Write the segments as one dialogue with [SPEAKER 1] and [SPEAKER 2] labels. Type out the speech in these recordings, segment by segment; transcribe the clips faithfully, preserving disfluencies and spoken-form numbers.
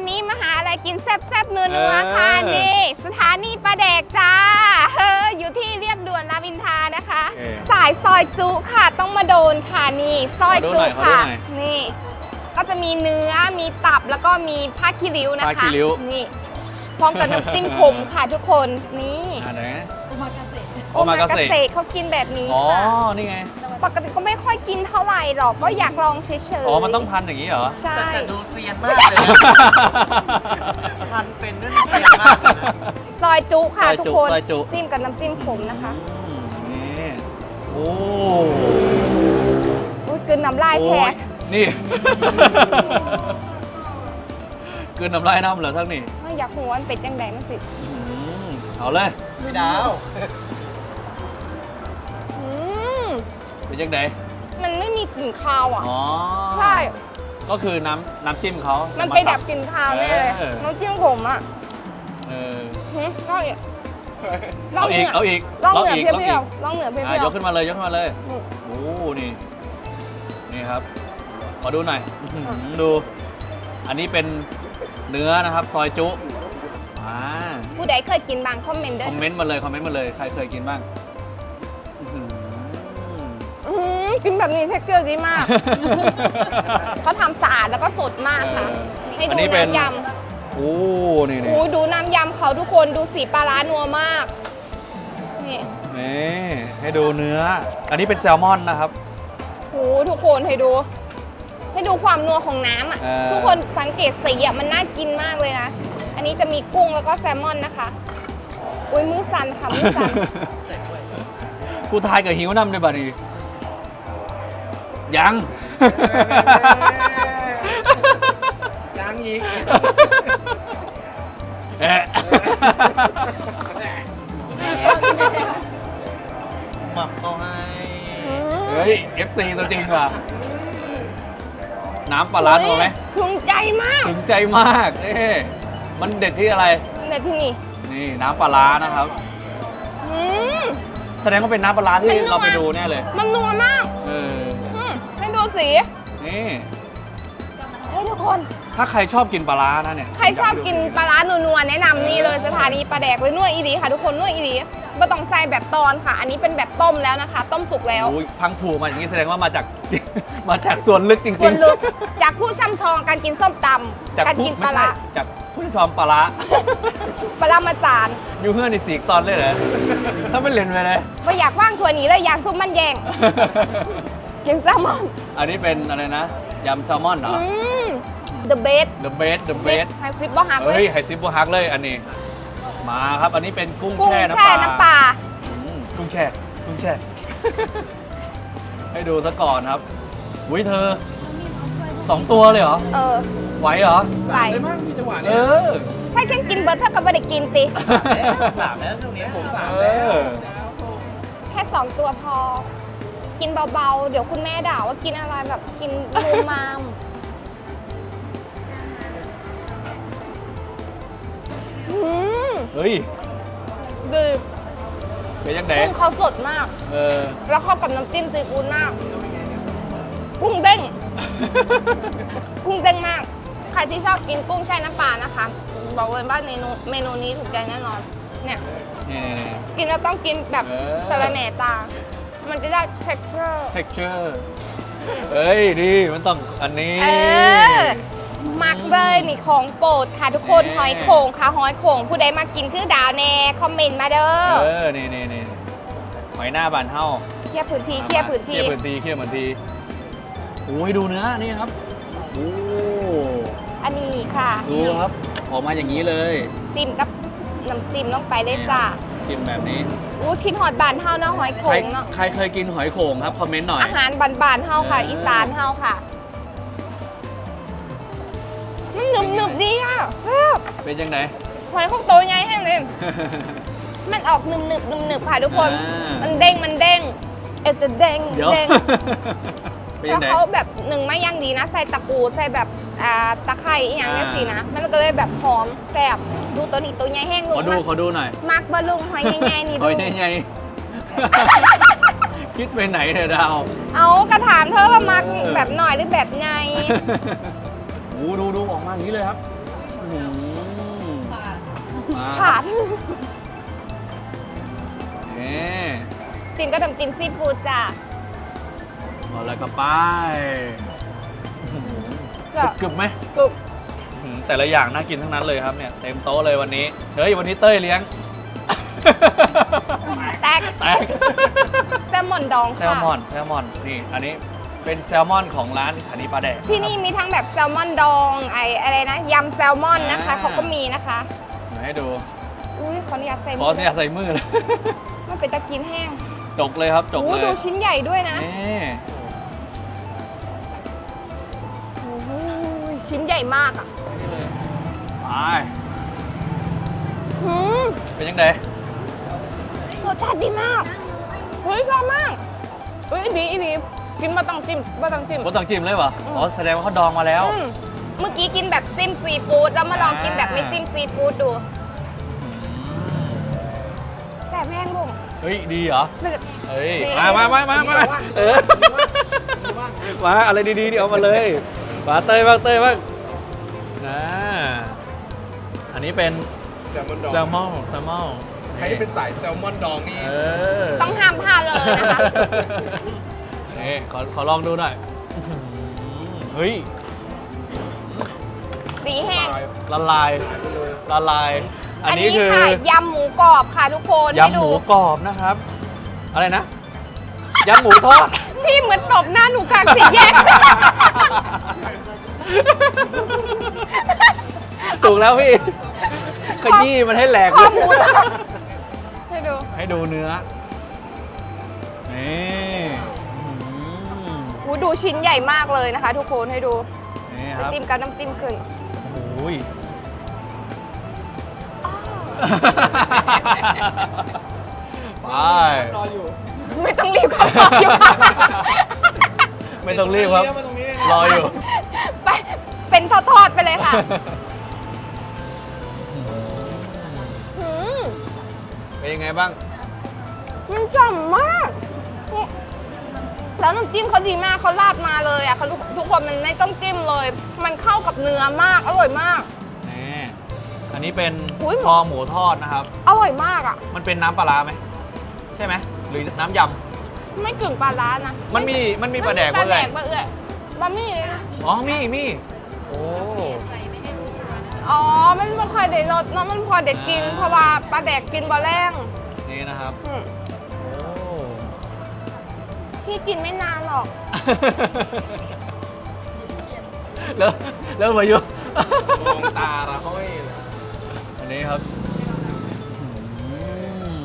[SPEAKER 1] นี้มาหาอะไรกินแซ่บๆนัวๆค่ะนี่สถานีปลาแดกจ้าเอออยู่ที่เรียบด่วนรามอินทรานะคะ สายซอยจุค่ะต้องมาโดนค่ะนี่ซอยจุค่ะนี่ก็จะมีเนื้อมีตับแล้วก็มีผ้าคีริ้วนะคะนี่พร้อมกับน้ำจิ้มขมค่ะทุกคนนี่
[SPEAKER 2] อะไรนะ
[SPEAKER 1] โอมากาเสะโอมากาเสะเขากินแบบนี้อ๋อ
[SPEAKER 2] นี่ไง
[SPEAKER 1] ปกติก็ไม่ค่อยกินเท่าไหร่หรอกก็อยากลองเฉยๆ
[SPEAKER 2] อ๋อมันต้องพันอย่างนี้เหรอ
[SPEAKER 1] ใช่
[SPEAKER 3] แต่ดูเซียนมากเลยพันเป็นด้วยเซียนมาก
[SPEAKER 1] ซอยจุค่ะทุกคนจิ้มกับน้ำจิ้มขมนะคะ
[SPEAKER 2] นี่โอ้
[SPEAKER 1] โหกินน้ำลายแทก
[SPEAKER 2] นี่กินน้ำลายน้ำเหรอทั้งนี้
[SPEAKER 1] ไม่อยากหัวมันเป็ดยังไงมันสิ
[SPEAKER 2] เอาเลย
[SPEAKER 3] ไม่ดาว
[SPEAKER 2] เป็นยังไง
[SPEAKER 1] มันไม่มีกลิ่นคาวอ่ะ
[SPEAKER 2] อ๋อ
[SPEAKER 1] ใช่
[SPEAKER 2] ก็คือน้ำน้ำจิ้มเขา
[SPEAKER 1] มันไปดับกลิ่นคาวแน่เลยน้ำจิ้มผมอ่ะ
[SPEAKER 2] เออ
[SPEAKER 1] ลองอีก
[SPEAKER 2] เอาอีกเอาอีก
[SPEAKER 1] ลองเหนือเพี้ยวลองเหนือเพี้ยวย
[SPEAKER 2] กขึ้นมาเลยยกขึ้นมาเลยโอ้นี่นี่ครับขอดูหน่อยดูอันนี้เป็นเนื้อนะครับซอยจุ
[SPEAKER 1] ผู้ใดเคยกินบ้างคอมเมนต์ด้วย
[SPEAKER 2] คอมเมนต์มาเลยคอมเมนต์มาเลยใครเคยกินบ้าง
[SPEAKER 1] กินแบบนี้เทคเจอร์ดีมากเขาทำสะอาดแล้วก็สดมากค่ะให้ดูน้ำยำ
[SPEAKER 2] โอ้นี่
[SPEAKER 1] นี่ดูน้ำยำเขาทุกคนดูสีปลาร้านัวมากนี่
[SPEAKER 2] นี่ให้ดูเนื้ออันนี้เป็นแซลมอนนะครับ
[SPEAKER 1] โอ้ทุกคนให้ดูให้ดูความนัวของน้ำอ่ะทุกคนสังเกตสีอ่ะมันน่ากินมากเลยนะอันนี้จะมีกุ้งแล้วก็แซลมอนนะคะอุ้ยมือสั่นค่ะมือสั่น
[SPEAKER 2] กูทายกับหิวน้ำได้บ่ดียัง
[SPEAKER 3] ยังอีก
[SPEAKER 2] เอ๊ะ
[SPEAKER 3] หมักเขาให้
[SPEAKER 2] เฮ้ย เอฟ ซี ตัวจริงว่ะน้ำปลาร้าถูกไหม
[SPEAKER 1] ถึงใจมาก
[SPEAKER 2] ถึงใจมากเอ๊ะมันเด็ดที่อะไร
[SPEAKER 1] เด็ดที่นี่
[SPEAKER 2] นี่น้ำปลาร้านะครับแสดงว่าเป็นน้ำปลาร้าที่เราไปดูแน่เลย
[SPEAKER 1] มันนัวมาก
[SPEAKER 2] เออ
[SPEAKER 1] ให้ดูสี
[SPEAKER 2] นี่
[SPEAKER 1] ให้ทุกคน
[SPEAKER 2] ถ้าใครชอบกินปลาร้านะเนี่ย
[SPEAKER 1] ใครชอบกินปลาร้านัวๆแนะนำนี่เลยสถานีปลาแดกเลยนัวอีดีค่ะทุกคนนัวอีดีไม่ต้องใส่แบบตอนค่ะอันนี้เป็นแบบต้มแล้วนะคะต้มสุกแล้ว
[SPEAKER 2] พังผูมาอย่างนี้แสดงว่ามาจากมาจากส่วนลึกจริงๆส่
[SPEAKER 1] วนลึกจากผู้ช่ำชองการกินส้มตำการกินปลาร้า
[SPEAKER 2] จากผู้ชมปลาร้า
[SPEAKER 1] ปลาร้ามาจาน
[SPEAKER 2] อยู่เพื่อนในสีตอนเลยเหรอถ้าไม่เล่นไปเลย
[SPEAKER 1] ไม่อยากว่างทัวร์นี้เลยอยากซุปมันแยงยังแซลมอน
[SPEAKER 2] อันนี้เป็นอะไรนะยำแซลมอนเหรอ
[SPEAKER 1] The best
[SPEAKER 2] The best The best
[SPEAKER 1] ไฮซิปบ่ฮักเลย
[SPEAKER 2] เฮ้ยไฮซิปบ่ฮักเลยอันนี้มาครับอันนี้เป็นกุ้งแช่น้
[SPEAKER 1] ำปลา
[SPEAKER 2] กุ้งแช่กุ้งแช่ให้ดูซะก่อนครับอุ้ยเธอสองตัวเลยเหรอ
[SPEAKER 1] เออ
[SPEAKER 2] ไหวเหรอ
[SPEAKER 1] ไหว
[SPEAKER 3] มากมีจังหวะนี้
[SPEAKER 2] เออ
[SPEAKER 1] ถ้าฉันกินเบิร์ดเธอก็ไม่ได้กินติ
[SPEAKER 3] สามแล้วตรงนี้ผมสามแล้ว
[SPEAKER 1] แค่สองตัวพอกินเบาๆเดี๋ยวคุณแม่ด่าว่ากินอะไรแบบกินมูมาม
[SPEAKER 2] เฮ้ย
[SPEAKER 1] ดี
[SPEAKER 2] เป็นยังไง
[SPEAKER 1] กุ้งเขาสดมาก
[SPEAKER 2] เออ
[SPEAKER 1] แล้วเข้ากับน้ำจิ้มซีฟู้ดมากกุ้งเด้งกุ้งเด้งมากใครที่ชอบกินกุ้งแช่น้ำปลานะคะบอกเลยว่าเมนูเมนูนี้ถูกใจแน่นอนเนี่ยกินแล้วต้องกินแบบสะระแหน่ตามันจะได้ texture
[SPEAKER 2] texture เอ้ยดีมันต้องอันนี้
[SPEAKER 1] มักเลยนี่ของโปรดค่ะทุกคนหอยโข่งค่ะหอยโข่งผู้ใดมากินคือดาวแน่คอมเมนต์มาเด้อ
[SPEAKER 2] เออนี่นี่นี่หอยหน้าบานเท่า
[SPEAKER 1] เคี่ยวพื้นที่เคี่ยวพื้นที่
[SPEAKER 2] เคี่ยวพื้นที่เคี่ยวพื้นที่โอ้ยดูเนื้อนี่ครับโอ้
[SPEAKER 1] อันนี้ค่ะ
[SPEAKER 2] ดูครับออกมาอย่างนี้เลย
[SPEAKER 1] จิ้มกับน้ำจิ้มลงไปได้จ้า
[SPEAKER 2] จิ้มแบบนี้
[SPEAKER 1] อู้คิดหอยบานเท่าเนาะหอยโข่งเนาะ
[SPEAKER 2] ใครเคยกินหอยโข่งครับคอมเมนต์หน่อย
[SPEAKER 1] อาหารบานๆเท่าค่ะอีสานเท่าค่ะมันหนึบหนึบดีอ่ะ
[SPEAKER 2] เป็นยังไง
[SPEAKER 1] หอยโข่งโตใหญ่แห้งเลยมันออกหนึบหนึบหนึบหนึบค่ะทุกคนมันเด้งมันเด้งเออจะเด้งเด้งแล้วเขาแบบหนึ่งไม่ย่างดีนะใส่ตะกูใส่แบบตะไคร้อย่างนี้สินะมันก็เลยแบบหอมแซ่บดูตัวนี้ตัวใหญ่แห้งลุง
[SPEAKER 2] ขอดูขอดูหน่อย
[SPEAKER 1] มักบะลุงหอยใหญ่ๆนี่
[SPEAKER 2] หอยใหญ่ๆคิดไปไหนเนี่ยดาว
[SPEAKER 1] เอากระถามเธอว่ามักแบบหน่อยหรือแบบไง
[SPEAKER 2] โอ้ดูดูออกมาอย่างนี้เลยครับอืมมา
[SPEAKER 1] ขาด
[SPEAKER 2] นี่
[SPEAKER 1] จิ้มก็น้ำจิ้มซีฟู้ดจ้า
[SPEAKER 2] เอาแล้วก็ไป
[SPEAKER 1] จ้ะ
[SPEAKER 2] กรึบๆไหม
[SPEAKER 1] กรุบ
[SPEAKER 2] อืมแต่ละอย่างน่ากินทั้งนั้นเลยครับเนี่ยเต็มโต๊ะเลยวันนี้ เฮ้ยวันนี้เต้ยเลี้ยง
[SPEAKER 1] แตก
[SPEAKER 2] แตก
[SPEAKER 1] แซลมอนดอง
[SPEAKER 2] แซ
[SPEAKER 1] ค่ะ
[SPEAKER 2] ลมอนแซลมอนนี่อันนี้เป็นแซลมอนของร้านขันีปลาแดก
[SPEAKER 1] ที่นี่มีทั้งแบบแซลมอนดองไออะไรนะยำแซลมอนนะคะ
[SPEAKER 2] อ่า
[SPEAKER 1] เขาก็มีนะคะ
[SPEAKER 2] เดี๋ยวให้ดู
[SPEAKER 1] อุ้ยขออนุญาตใส่
[SPEAKER 2] ขอเนี่ยใส่มือเลย
[SPEAKER 1] มันเป็นตะกินแห้ง
[SPEAKER 2] จกเลยครับจก
[SPEAKER 1] โอ้
[SPEAKER 2] เลย
[SPEAKER 1] ดูชิ้นใหญ่ด้วยนะ
[SPEAKER 2] นี่
[SPEAKER 1] โอ้โหชิ้นใหญ่มากอ่ะ
[SPEAKER 2] นี่เลยไป
[SPEAKER 1] หืม
[SPEAKER 2] เป็นยังไง
[SPEAKER 1] รสชาติดีมากเฮ้ยชอบมากเฮ้ยดีอีดีกินมาต้องจิ้มมาต้องจิ้ม
[SPEAKER 2] บนตังจิ้มเลยเหรอ
[SPEAKER 1] อืม
[SPEAKER 2] อ๋อแสดงว่าเขาดองมาแล้ว
[SPEAKER 1] อืมเมื่อกี้กินแบบจิ้มซีฟู้ดแล้วมาลองกินแบบไม่จิ้มซีฟู้ดดู
[SPEAKER 2] อืม
[SPEAKER 1] แสบแห้งบุ๋ม
[SPEAKER 2] เฮ้ยดีเหรอ
[SPEAKER 1] เดือด
[SPEAKER 2] เฮ้ย
[SPEAKER 1] นี่
[SPEAKER 2] มามามามามาเออมาอะไรดีๆเดี๋ยวเอามาเลยมาเต้ยบ้างเต้ยบ้างนะอันนี้เป็น
[SPEAKER 4] แซลมอนดอง
[SPEAKER 2] แซลมอนแซลมอน
[SPEAKER 4] ใครที่เป็นสายแซลมอนดองนี่
[SPEAKER 2] เออ
[SPEAKER 1] ต้องห้ามพลาดเลยนะคะ
[SPEAKER 2] นี่ขอขอลองดูหน่อยอื้อหือเฮ้ย
[SPEAKER 1] ดีแห้ง
[SPEAKER 2] ละลายละลาย อัน
[SPEAKER 1] อัน
[SPEAKER 2] นี้
[SPEAKER 1] นี้
[SPEAKER 2] คือ
[SPEAKER 1] ค่ะยำหมูกรอบค่ะทุกคนให้
[SPEAKER 2] ยำห
[SPEAKER 1] ดู
[SPEAKER 2] มูกรอบนะครับ อะไรนะยำหมูทอด
[SPEAKER 1] พี่เหมือนตบหน้าหนูกลางสี่แยก
[SPEAKER 2] ถูกแล้วพี่ขยี้มันให้แหลก
[SPEAKER 1] ข้อหมูทอดให้ดู
[SPEAKER 2] ให้ดูเนื้อ นี่อื้อหือ
[SPEAKER 1] หูดูชิ้นใหญ่มากเลยนะคะ ทุกคนให้ดู
[SPEAKER 2] นี่ครับ
[SPEAKER 1] จิ้มกับน้ำจิ้มขึ้น
[SPEAKER 2] โอ้ย ไป
[SPEAKER 4] รออยู่
[SPEAKER 1] ไม่ต้องรีบเข้าไปอยู่ค่ะ
[SPEAKER 2] ไม่ต้องรีบครับ
[SPEAKER 4] มาตรงนี้
[SPEAKER 2] รออยู่
[SPEAKER 1] ไปเป็นทอดๆไปเลยค่ะหืม
[SPEAKER 2] เป็นยังไงบ้าง
[SPEAKER 1] มันฉ่ำมาก แล้วน้ำจิ้มเขาดีมากเขาราดมาเลยอ่ะเขาทุกทุกคนมันไม่ต้องจิ้มเลย มันเข้ากับเนื้อมากอร่อยมาก
[SPEAKER 2] นี่ อันนี้เป็น
[SPEAKER 1] อุ๊ย
[SPEAKER 2] คอหมูทอดนะครับ
[SPEAKER 1] อร่อยมากอ่ะ
[SPEAKER 2] มันเป็นน้ำปลาร้าไหม ใช่ไหม หรือน้ำย
[SPEAKER 1] ไม่กึ่งปลาร้านะ
[SPEAKER 2] ำ มันมี มันมีปลาแดก
[SPEAKER 1] ปลา
[SPEAKER 2] ด้
[SPEAKER 1] แด
[SPEAKER 2] วย
[SPEAKER 1] กปลาเอื้อยบะหมี่
[SPEAKER 2] อ๋อ มี มี โอ้
[SPEAKER 1] อ๋อมันไม่ค่อยได้รสเนาะมันพอเด็ดกิน
[SPEAKER 2] อ่า
[SPEAKER 1] เพราะว่าปลาแดกกินบะแรง
[SPEAKER 2] นี่นะครับ
[SPEAKER 1] อืม
[SPEAKER 2] โอ้
[SPEAKER 1] พี่กินไม่นานหรอก
[SPEAKER 2] แล้วแล้วมายุ
[SPEAKER 4] มองตาเราเขาไม่
[SPEAKER 2] อันนี้ครับอืม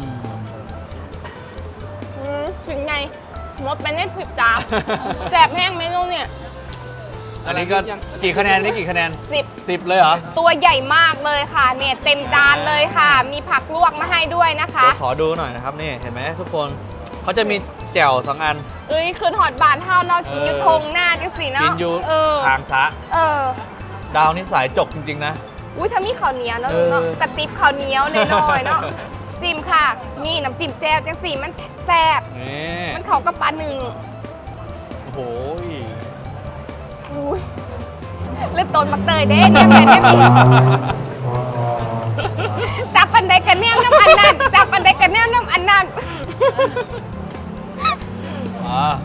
[SPEAKER 1] อืมถึงไงหมดไปในสิบจานแสบแห้งเมนูเนี่ย
[SPEAKER 2] อันนี้ก็กี่คะแนนนี่กี่คะแนน
[SPEAKER 1] สิบ
[SPEAKER 2] สิบเลยเหรอ
[SPEAKER 1] ตัวใหญ่มากเลยค่ะ เนี่ยเต็มจานเลยค่ะ มีผักลวกมาให้ด้วยนะคะ
[SPEAKER 2] เดี๋ยวขอดูหน่อยนะครับนี่เห็นไหมทุกคนเขาจะมีแจ่วสองอัน
[SPEAKER 1] เอ้ยคืนหอดบานเท่าเนาะกินอยู่
[SPEAKER 2] เออ
[SPEAKER 1] ทงหน้าจังสีเนาะ
[SPEAKER 2] กินอยู่
[SPEAKER 1] เออ
[SPEAKER 2] ทางซะ
[SPEAKER 1] เออ
[SPEAKER 2] ดาวนี่สายจกจริง ๆ นะ
[SPEAKER 1] อุ้ยถ้ามีข้าวเหนียวเนาะ
[SPEAKER 2] เออ
[SPEAKER 1] เนาะกระติบข้าวเหนียวหน่อยๆเนาะจิ้มค่ะ นี่น้ำจิ้มแจ่วจังสีมันแซ่บ
[SPEAKER 2] นี่
[SPEAKER 1] มันเข้ากับปลาหนึ่ง
[SPEAKER 2] โอ้โห
[SPEAKER 1] อุ้ยเลือดต้นมักเตยเด้เนี่ยแบบนี้มีจับปันไดกันแนวน้ำอันนั้นจับปันไดกันแนวน้ำอันนั้น
[SPEAKER 2] อ่า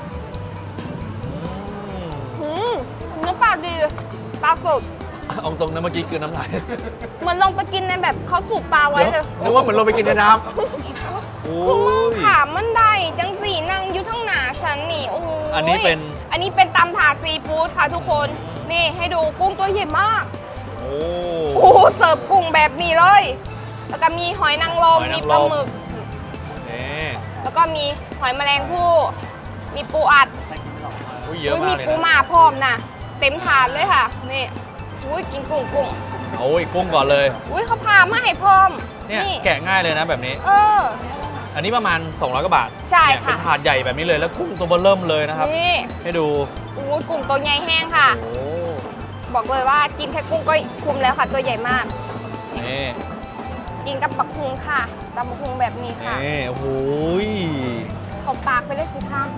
[SPEAKER 1] อืมเนื้อปลาดีปลาสด
[SPEAKER 2] เอาตรงนั้นเมื่อกี้คือน้ำลาย
[SPEAKER 1] เหมือนลงไปกินในแบบเขาสูบปลาไว้เลย
[SPEAKER 2] นึกว่าเหมือนลงไปกินในน้ำโอ้
[SPEAKER 1] คือมึง
[SPEAKER 2] ย
[SPEAKER 1] ขามมันได้จังสีนางอยู่ทั้งหนาฉันนี่โอ้โห
[SPEAKER 2] อันนี้เป็น
[SPEAKER 1] อันนี้เป็นตำถาดซีฟู้ดค่ะทุกคน นี่ให้ดูกุ้งตัวใหญ่มาก
[SPEAKER 2] โอ้
[SPEAKER 1] โอ้โหเสิร์ฟกุ้งแบบนี้เลย แล้วก็มีหอยนางรม
[SPEAKER 2] หอยนางรม
[SPEAKER 1] มีปลาหมึก
[SPEAKER 2] นี่
[SPEAKER 1] แล้วก็มีหอยแมลงภู่มีปูอัด
[SPEAKER 2] อุ้ยเยอะ
[SPEAKER 1] อุ้ย
[SPEAKER 2] มาก
[SPEAKER 1] มี
[SPEAKER 2] เลย
[SPEAKER 1] ปู
[SPEAKER 2] นะ
[SPEAKER 1] หมาพร้อมนะเต็มถาดเลยค่ะ นี่อุ้ยกินกุ้งกุ้ง
[SPEAKER 2] โอ้ยกุ้งก่อนเลย
[SPEAKER 1] อุ้ยเขาพามาให้พร้อม
[SPEAKER 2] เนี่ยแกะง่ายเลยนะแบบนี้
[SPEAKER 1] เออ
[SPEAKER 2] อันนี้ประมาณสองร้อยกว่าบาท
[SPEAKER 1] ใช่
[SPEAKER 2] เนี่ย
[SPEAKER 1] ค่ะ
[SPEAKER 2] เป็นถาดใหญ่แบบนี้เลยแล้วกุ้งตัวเบอร์เริ่มเลยนะครับ
[SPEAKER 1] นี่
[SPEAKER 2] ให้ดู
[SPEAKER 1] อุ้ยกุ้งตัวใหญ่แห้งค่ะ
[SPEAKER 2] โอ้
[SPEAKER 1] บอกเลยว่ากินแค่กุ้งก็คุ้มแล้วค่ะ ตัวใหญ่มาก
[SPEAKER 2] นี่
[SPEAKER 1] กินกับบักฮุงค่ะตำบักฮุงแบบนี้ค่ะ
[SPEAKER 2] นี่โอ้โหย
[SPEAKER 1] เขาปากไปเลยสิคะ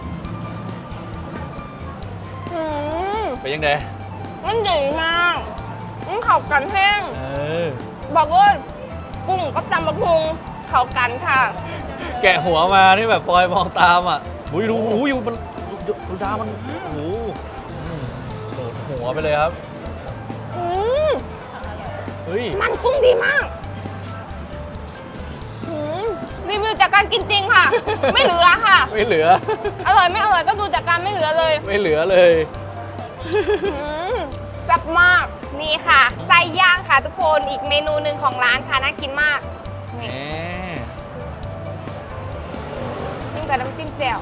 [SPEAKER 1] อืม
[SPEAKER 2] เป็นยังไง
[SPEAKER 1] มันใหญ่มากากันแห้ง
[SPEAKER 2] เออ
[SPEAKER 1] บอกว่ากุ้งกับตำบักหุงเข้ากันค่ะ
[SPEAKER 2] แกะหัวมานี่แบบปอยมองตามอ่ะอุ้ยดูหูอยู่มันดูดามันโอ้โหอืมโดดหัวไปเลยครับ
[SPEAKER 1] อืม
[SPEAKER 2] เฮ้ย
[SPEAKER 1] มันกุ้งดีมากอืมรีวิวจากการกินจริงค่ะ ไม่เหลือค่ะ
[SPEAKER 2] ไม่เหลือ
[SPEAKER 1] อร่อยไม่อร่อยก็ดูจากการไม่เหลือเลย
[SPEAKER 2] ไม่เหลือเลย
[SPEAKER 1] อืมแซ่บมาก นี่ค่ะ ไส้ย่างค่ะทุกคนอีกเมนูหนึ่งของร้านค่ะน่ากินมากนี่
[SPEAKER 2] แหม
[SPEAKER 1] จิ้มกับน้ำจิ้มแจ่ว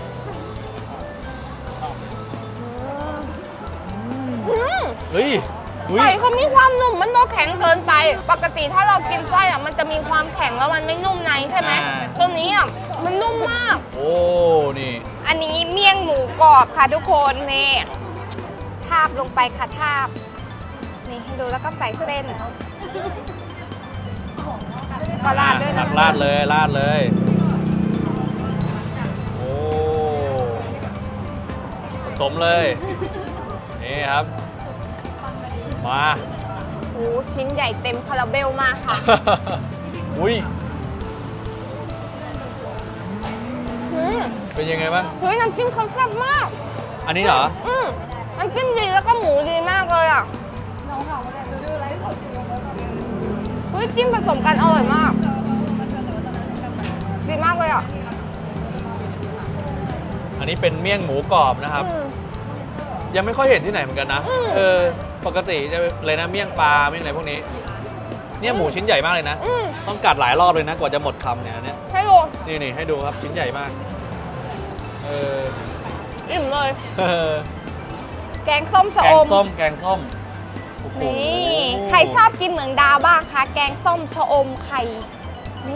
[SPEAKER 1] อืม
[SPEAKER 2] เฮ้ยอุ้ย
[SPEAKER 1] ไส้เขามีความนุ่มมันไม่แข็งเกินไป ปกติถ้าเรากินไส้อะมันจะมีความแข็งแล้วมันไม่นุ่มในใช่ไหมตัวนี้อ่ะมันนุ่มมาก
[SPEAKER 2] โอ้นี่
[SPEAKER 1] อันนี้เมี่ยงหมูกรอบค่ะทุกคนนี่ทาบลงไปค่ะทาบ นี่ให้ดูแล้วก็ใส่เส้น ก็ราดด้วย
[SPEAKER 2] ตั
[SPEAKER 1] นะ
[SPEAKER 2] กราดเลยราดเลย โอ้ผสมเลย นี่ครับ มา
[SPEAKER 1] โอ้ชิ้นใหญ่เต็มคาราเบลมากค่ะ
[SPEAKER 2] อุ้ย
[SPEAKER 1] อืม
[SPEAKER 2] เป็นยังไงบ้าง
[SPEAKER 1] เฮ้ยน้ำจิ้มเขาแซ่บมาก
[SPEAKER 2] อันนี้เหรอ
[SPEAKER 1] อืมน้ำจิ้มดีแล้วก็หมูดีมากเลยอ่ะเฮ้ยจิ้มผสมกันอร่อยมาก ดีมากเลยอ่ะ
[SPEAKER 2] อันนี้เป็นเมี่ยงหมูกรอบนะครับ
[SPEAKER 1] อืม
[SPEAKER 2] ยังไม่ค่อยเห็นที่ไหนเหมือนกันนะ
[SPEAKER 1] อืม
[SPEAKER 2] เออ ปกติจะเลยนะเมี่ยงปลาเมี่ยงอะไรพวกนี้ เนี่ยหมูชิ้นใหญ่มากเลยนะ
[SPEAKER 1] อืม
[SPEAKER 2] ต้องกัดหลายรอบเลยนะกว่าจะหมดคำเนี่ยอันเนี่ย
[SPEAKER 1] ให้ดู
[SPEAKER 2] นี่นี่ให้ดูครับชิ้นใหญ่มาก เออ
[SPEAKER 1] อิ่มเลย
[SPEAKER 2] เออ
[SPEAKER 1] แกงส้มชะ
[SPEAKER 2] แก
[SPEAKER 1] อง ม
[SPEAKER 2] ส้มแกงส้มโอ้โห
[SPEAKER 1] นี่ใครชอบกินเหมืองดาวบ้างคะแกงส้มชะอมไข่ นี่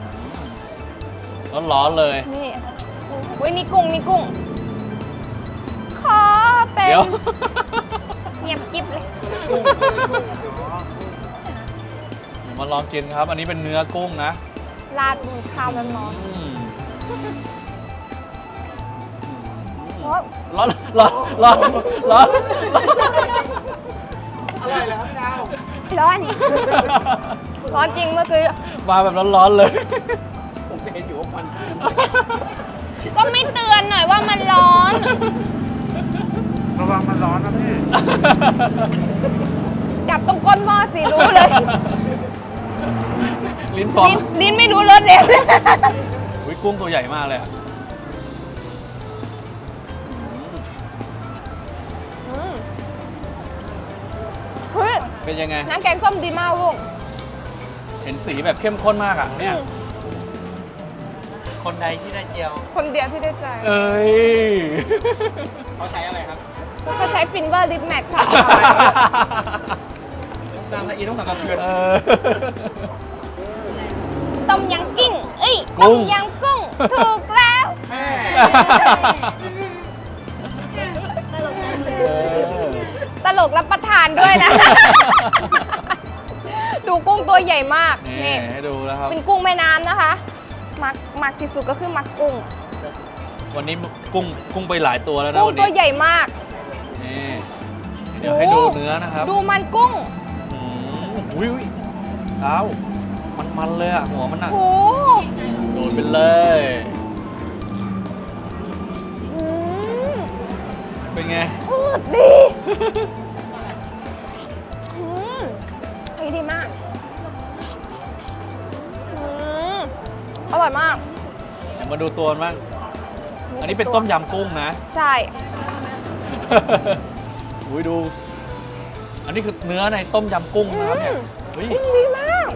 [SPEAKER 2] ร้อนๆเลย
[SPEAKER 1] นี่เว้ยนี่กุ้งนี่กุ้ง ขอเป็น
[SPEAKER 2] เดี๋ยว
[SPEAKER 1] เงียบกิ๊บเลย
[SPEAKER 2] มาลองกินครับ อันนี้เป็นเนื้อกุ้งนะ
[SPEAKER 1] ราดบนข้าวร้อน
[SPEAKER 2] อืม
[SPEAKER 1] ๆเพราะ
[SPEAKER 2] ร้อนร้อนร้อนร้อน
[SPEAKER 4] อะไรเหรอครับดาว
[SPEAKER 1] ร้อน ร้อนจริงเมื่อกี้
[SPEAKER 2] มาแบบร้อนๆเลย
[SPEAKER 4] ผมเห็นอยู่ว่ามัน
[SPEAKER 1] ก็ไม่เตือนหน่อยว่ามันร้อน
[SPEAKER 4] ระวังมันร้อนนะพี่
[SPEAKER 1] จับตรงก้นหม้อสิรู้เลย
[SPEAKER 2] ลิ้นฟอง
[SPEAKER 1] ลิ้นลิ้นไม่รู้รสเอง
[SPEAKER 2] อุ้ยกุ้งตัวใหญ่มากเลยอะ
[SPEAKER 1] อืมเฮ้ย
[SPEAKER 2] เป็นยังไง
[SPEAKER 1] น้ำแกงส้มดีมากลูก
[SPEAKER 2] เห็นสีแบบเข้มข้นมากอะเนี่ย
[SPEAKER 1] อืม
[SPEAKER 3] คนใดที่ได้เจียว
[SPEAKER 1] คนเดียวที่ได้ใจ
[SPEAKER 2] เอ้ย
[SPEAKER 3] เขาใช้อะไรครับ
[SPEAKER 1] เขาใช้ฟินเวอร์ลิปแมทค่ะ
[SPEAKER 3] ตามละอีต้องสั่งกระเทือน
[SPEAKER 2] เออ
[SPEAKER 1] ต้มยำกิ้ง เอ้ย
[SPEAKER 2] กุ้
[SPEAKER 1] ต้
[SPEAKER 2] ง
[SPEAKER 1] มยำกุ้ง ถูกแล้ว
[SPEAKER 3] แม่
[SPEAKER 1] ตลกนะ
[SPEAKER 2] เออ
[SPEAKER 1] ตลกรับประทานด้วยนะ ดูกุ้งตัวใหญ่มาก
[SPEAKER 2] นี่
[SPEAKER 1] นี่
[SPEAKER 2] ให้ดูแล้วครับ
[SPEAKER 1] เป็นกุ้งแม่น้ำนะคะ มักมักที่สุดก็คือมักกุ้ง
[SPEAKER 2] วันนี้กุ้งกุ้งไปหลายตัวแล้วนะ
[SPEAKER 1] กุ้ง
[SPEAKER 2] วัน
[SPEAKER 1] ตัว
[SPEAKER 2] นี้
[SPEAKER 1] ใหญ่มาก
[SPEAKER 2] นี่เดี๋ยวให้ดูเนื้อนะครับ
[SPEAKER 1] ดูมันกุ้ง
[SPEAKER 2] อืมอุ้ยอุ้ยเท้ามันมันเลยอะหัวมันอะ
[SPEAKER 1] โห
[SPEAKER 2] โดนไปเลย
[SPEAKER 1] อืม
[SPEAKER 2] เป็นไง
[SPEAKER 1] โคตรดีอืมเฮ้ยดีมากอืมอร่อยมาก
[SPEAKER 2] เดี๋ยวมาดูตัวมันบ้างอันนี้เป็นต้มยำกุ้งนะ
[SPEAKER 1] ใช่
[SPEAKER 2] อุ้ยดู อันนี้คือเนื้อในต้มยำกุ้งนะครับเนี่ยเฮ้ย
[SPEAKER 1] อืมดีมาก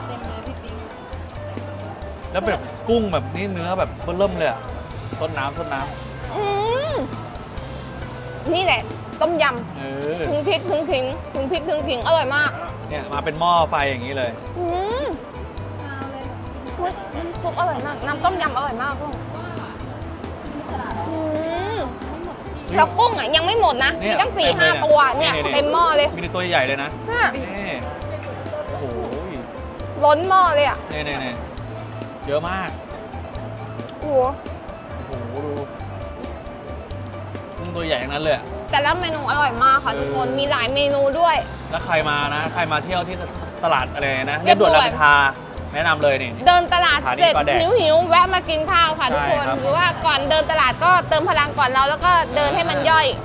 [SPEAKER 2] แล้วแบบกุ้งแบบนี้เนื้อแบบเบิ่มเลยอะต้นน้ำต้นน้
[SPEAKER 1] อืมนี่แหละ ต้มย
[SPEAKER 2] ำเออ
[SPEAKER 1] ำถึงพริกถึงขิงถึงพริกถึงขิงอร่อยมาก
[SPEAKER 2] เนี่ยมาเป็นหม้อไฟอย่างนี้เลย
[SPEAKER 1] อืมอุ๊ยน้ำซุปอร่อยมาก น้ำต้มยำอร่อยมากกุ้งอืมแล้วกุ้งอ่ะยังไม่หมดนะ
[SPEAKER 2] เนี่
[SPEAKER 1] มี
[SPEAKER 2] ย
[SPEAKER 1] ตั้งสี่
[SPEAKER 2] เต็มเลย
[SPEAKER 1] ห้า
[SPEAKER 2] เนี่ย
[SPEAKER 1] ตัวเนี่ย
[SPEAKER 2] นี่ๆๆ
[SPEAKER 1] เต็มหม้อเลย
[SPEAKER 2] มีตัวใหญ่เลยนะ
[SPEAKER 1] เนี่ย
[SPEAKER 2] นี่โอ้โห
[SPEAKER 1] ล้นหม้อเลยอ่ะ
[SPEAKER 2] นี่นี่นี่เยอะมาก
[SPEAKER 1] โอ้โห
[SPEAKER 2] โอ้โหดูกุ้งตัวใหญ่ทั้งนั้นเลยอะ
[SPEAKER 1] แต่ละเมนูอร่อยมากค่ะ
[SPEAKER 2] เออ
[SPEAKER 1] ทุกคน มีหลายเมนูด้วย
[SPEAKER 2] อแล้วใครมานะ ใครมาเที่ยวที่ตลาดอะไรนะเรียบด่วนรามอินทราแนะนำเลยนี่
[SPEAKER 1] เดินตลาด
[SPEAKER 2] สถานี
[SPEAKER 1] เสร็จ
[SPEAKER 2] ปลาแดก
[SPEAKER 1] หิวหิวๆแวะมากินข้าวค่ะทุกคน
[SPEAKER 2] ใช่ครับ
[SPEAKER 1] หรือว่าก่อนเดินตลาดก็เติมพลังก่อนเราแล้วก็เดินให้มันย่อย